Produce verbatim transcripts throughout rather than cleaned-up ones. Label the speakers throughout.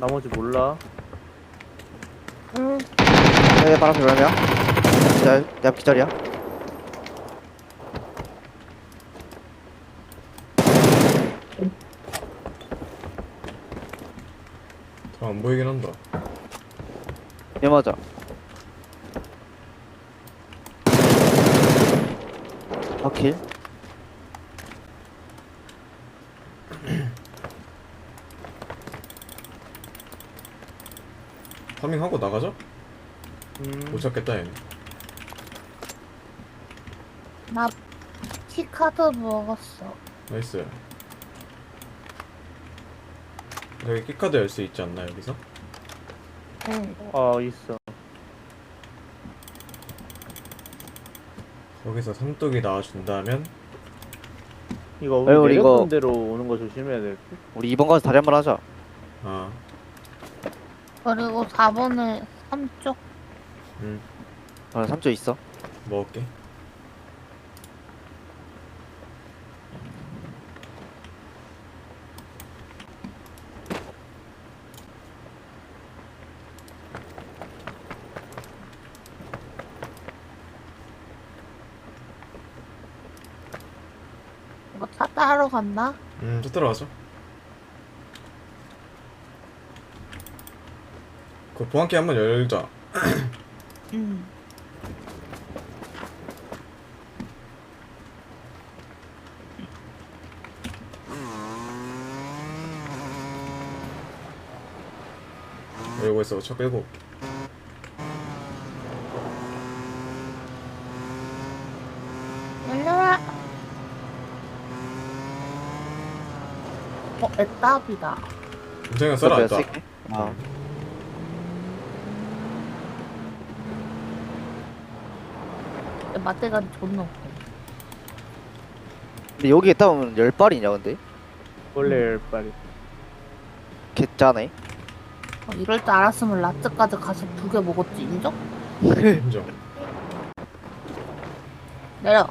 Speaker 1: 나머지 몰라.
Speaker 2: 응.
Speaker 3: 네, 바람 별명이야. 기절, 내 앞 기절이야.
Speaker 4: 더 안 보이긴 한다.
Speaker 3: 얘 맞아. 바킬.
Speaker 4: 파밍하고 나가자?
Speaker 1: 음.
Speaker 4: 못 찾겠다 얘는.
Speaker 2: 나 키카드 먹었어.
Speaker 4: 나이스. 여기 키카드 열 수 있지 않나 여기서?
Speaker 2: 응.
Speaker 1: 아 있어.
Speaker 4: 거기서 삼뚝이 나와준다면
Speaker 1: 이거 우리
Speaker 3: 에이, 우리
Speaker 1: 내렸던
Speaker 3: 이거-
Speaker 1: 대로 오는 거 조심해야 될 듯.
Speaker 3: 우리 이번 가서 다리 한번 하자.
Speaker 4: 아
Speaker 2: 그리고 사 번에 삼 쪽.
Speaker 4: 음,
Speaker 3: 아, 삼 조 있어.
Speaker 4: 먹을게.
Speaker 2: 이거 차 따러 간다?
Speaker 4: 음, 또 들어가자. 그 보안키 한번 열자.
Speaker 2: 응.
Speaker 4: 열고 있어. 차 빼고 올게.
Speaker 2: 열려라. 어, 애답이다.
Speaker 4: 인정이가 썰어놨다.
Speaker 3: 쓸게. 아,
Speaker 2: 맛대가리 존나 없고.
Speaker 3: 근데 여기 있다 보면 열 발이냐 근데?
Speaker 1: 원래 열발이.
Speaker 3: 개짜네.
Speaker 2: 어, 이럴 줄 알았으면 라츠까지 가서 두 개 먹었지, 인정?
Speaker 4: 인정.
Speaker 2: 내려.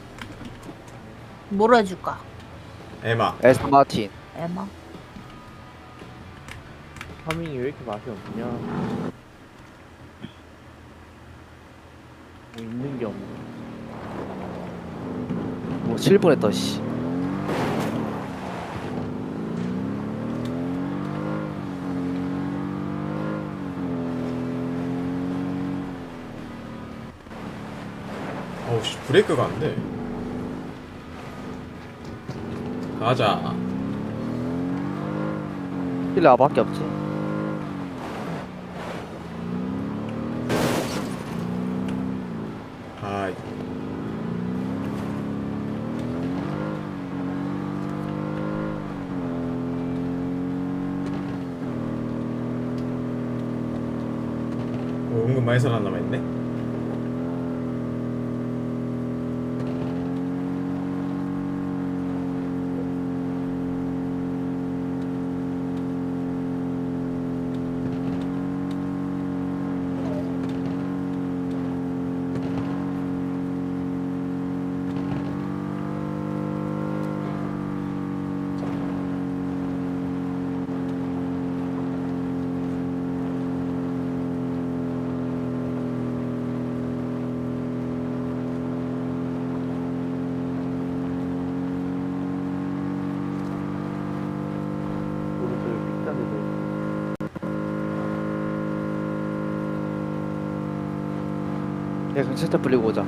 Speaker 2: 뭐로 해줄까?
Speaker 4: 에마.
Speaker 3: 에스턴 마틴.
Speaker 2: 에마.
Speaker 1: 파밍이 왜 이렇게 맛이 없냐? 뭐 있는 게 없네.
Speaker 3: 뭐 칠 분 했다 씨.
Speaker 4: 어우 씨 브레이크가 안 돼. 가자.
Speaker 3: 힐러 아밖에 없지.
Speaker 4: 아 어, 은근 많이 살아남아있네.
Speaker 1: 오른쪽에 삐끗한 데도 있고.
Speaker 3: 내가 경찰차 불리고 오자.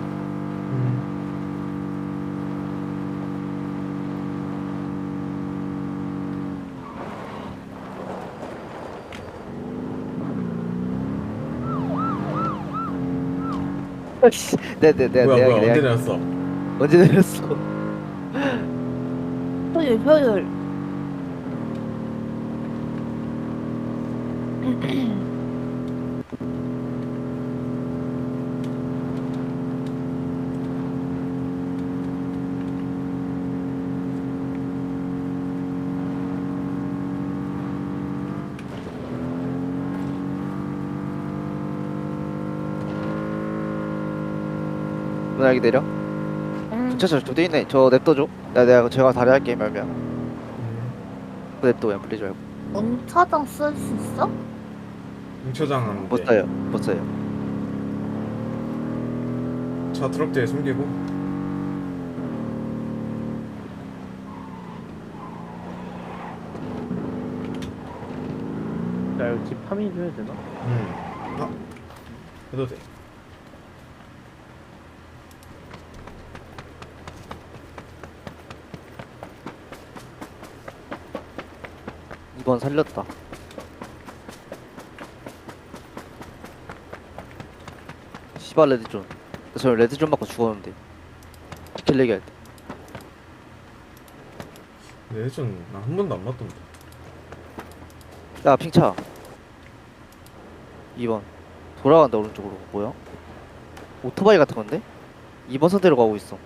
Speaker 3: 네네네 내
Speaker 4: 뭐야
Speaker 3: 내
Speaker 4: 뭐야
Speaker 3: 내
Speaker 4: 언제 내렸어?
Speaker 3: 언제 내렸어?
Speaker 2: 효율, 효율.
Speaker 3: 누나 여기 내려.
Speaker 2: 응.
Speaker 3: 경찰차 두 대 있네. 저 냅둬줘. 나 내가 제가 다리 할게 말면.
Speaker 4: 음.
Speaker 3: 냅둬 그냥 불리지 말고.
Speaker 2: 응차장 쓸 수 있어?
Speaker 4: 응처장
Speaker 3: 못 써요. 못 써요.
Speaker 4: 차 트럭 뒤에 숨기고.
Speaker 1: 나 이거 집 파밍 좀 해야 되나?
Speaker 4: 음. 아 해도 돼.
Speaker 3: 이번 살렸다. 시발 레드존. 저 레드존 맞고 죽었는데. 킬 얘기할 때.
Speaker 4: 근데 예전 나 한 번도 안 맞던데.
Speaker 3: 야 핑차. 이 번 돌아간다 오른쪽으로. 뭐야? 오토바이 같은 건데? 이 번 선대로 가고 있어.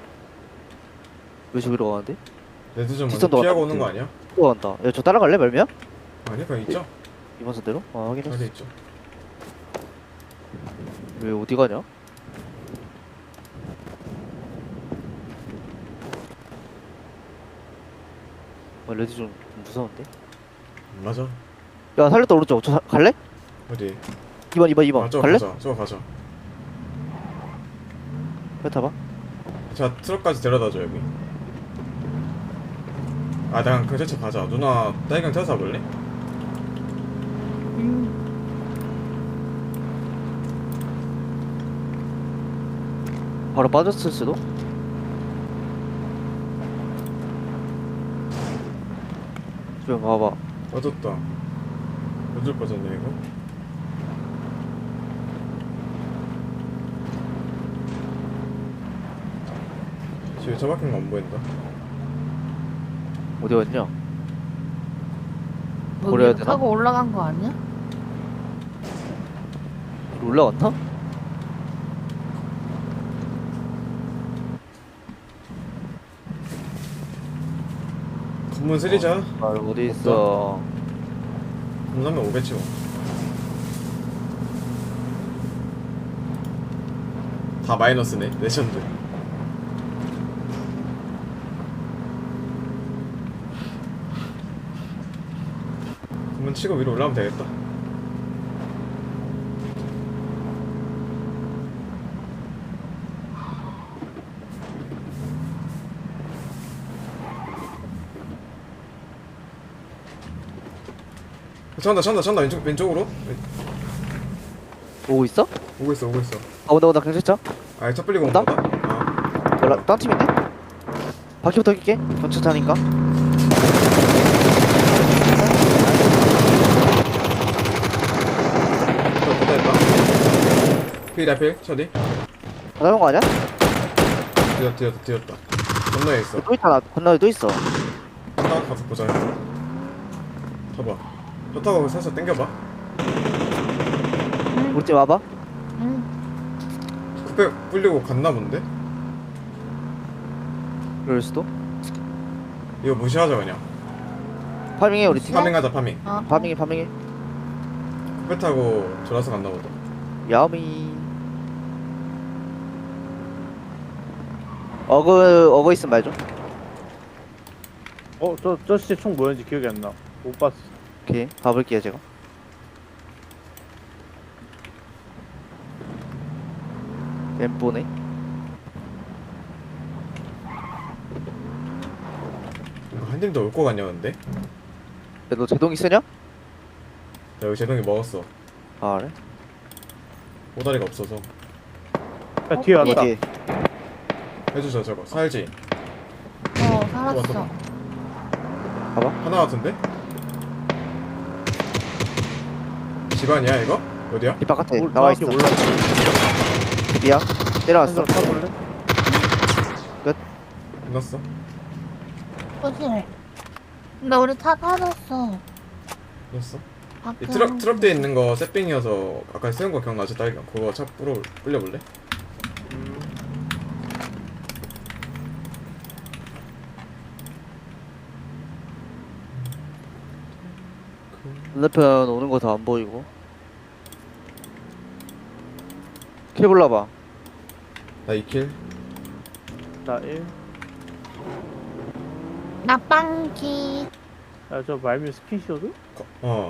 Speaker 3: 왜 저기로 가는데?
Speaker 4: 레드존 먼저
Speaker 3: 뒷선도
Speaker 4: 피하고
Speaker 3: 왔다,
Speaker 4: 오는 거 아니야?
Speaker 3: 또 간다. 야 저 따라갈래 말미야?
Speaker 4: 아니 그냥 있죠.
Speaker 3: 이 번 선대로? 아 확인했어.
Speaker 4: 자리 있죠.
Speaker 3: 왜 어디 가냐? 어, 레드존 좀 무서운데?
Speaker 4: 맞아.
Speaker 3: 야 살렸다 오른쪽. 저 사, 갈래?
Speaker 4: 어디?
Speaker 3: 이 번 이 번 이 번
Speaker 4: 아 저거
Speaker 3: 갈래?
Speaker 4: 가자. 저거 가자.
Speaker 3: 왜 타봐?
Speaker 4: 자 트럭까지 데려다줘 여기. 아 나 경찰차 가자. 누나 딸기랑 타서 볼래?
Speaker 2: 음.
Speaker 3: 바로 빠졌을 수도? 주변 봐봐.
Speaker 4: 맞았다. 어쩔 뻔했네 이거. 지금 차 박힌 거 안 보인다.
Speaker 3: 어디 갔냐?
Speaker 2: 너
Speaker 3: 버려야
Speaker 2: 위로
Speaker 3: 되나?
Speaker 2: 타고 올라간 거 아니야?
Speaker 3: 올라갔나?
Speaker 4: 검문 쓰리자.
Speaker 3: 아 어디 있어?
Speaker 4: 검사면 오겠지 뭐. 다 마이너스네. 레전드. 검문 치고 위로 올라가면 되겠다. 찬다 찬다 찬다 왼쪽 왼쪽으로
Speaker 3: 오고 있어?
Speaker 4: 오고 있어 오고 있어.
Speaker 3: 아 온다 온다 경찰차?
Speaker 4: 아차 끌리고
Speaker 3: 온다?
Speaker 4: 온다. 아
Speaker 3: 연락 딴 팀이네? 바퀴부터 낄게. 경찰차니까.
Speaker 4: 저 됐다. 필 앞필 쳐디.
Speaker 3: 다 잡은 거 아니야?
Speaker 4: 뒤졌다 뒤졌다 뒤졌다. 건너에 있어.
Speaker 3: 또 있잖아. 건너에 또 있어.
Speaker 4: 하나 가서 보자. 봐봐. 저 타고 살살 당겨봐.
Speaker 3: 우리 팀 와봐.
Speaker 2: 응.
Speaker 4: 쿠페 불리고 갔나 본데?
Speaker 3: 그럴 수도.
Speaker 4: 이거 무시하자 그냥.
Speaker 3: 파밍해 우리 팀.
Speaker 4: 파밍하자 파밍.
Speaker 2: 어.
Speaker 3: 파밍해 파밍해.
Speaker 4: 쿠페 타고 졸아서 갔나 보다.
Speaker 3: 야미. 어그 어그 있으면 말 좀.
Speaker 1: 어, 저, 저 씨 총 뭐였는지 기억이 안 나. 못 봤어.
Speaker 3: 오케이 가볼게요 제가. 엠보네.
Speaker 4: 이거 한 팀도 올 거 같냐 근데?
Speaker 3: 야너 제동이 쓰냐?
Speaker 4: 나 여기 제동이 먹었어.
Speaker 3: 아 그래?
Speaker 4: 오다리가 없어서.
Speaker 1: 야, 뒤에 왔다.
Speaker 3: 어디?
Speaker 4: 해주자 저거. 살지?
Speaker 2: 어,
Speaker 4: 봐봐,
Speaker 2: 살았어.
Speaker 4: 봐봐.
Speaker 3: 봐봐.
Speaker 4: 하나 같은데? 집안이야 이거? 어디야?
Speaker 3: 이 바깥에
Speaker 1: 올-
Speaker 3: 나와
Speaker 1: 정확히
Speaker 3: 있어.
Speaker 1: 올라가.
Speaker 3: 미야. 내려왔어.
Speaker 1: 한잔 타볼래?
Speaker 4: 끝났어?
Speaker 2: 거실. 근데 우리 차 타졌어.
Speaker 4: 끝났어?
Speaker 2: 밖에
Speaker 4: 이 트럭
Speaker 2: 한-
Speaker 4: 트럭 뒤에 있는 거 세핑이어서 아까 세운 거 기억나지? 딸기가 그거 차 뿌려 뿌려볼래?
Speaker 3: 반대편 오는 거 다 안 보이고. 킬 골라봐.
Speaker 4: 나 이 킬.
Speaker 1: 나 일.
Speaker 2: 나 빵기.
Speaker 1: 야, 저 말미 스킨시어드?
Speaker 4: 어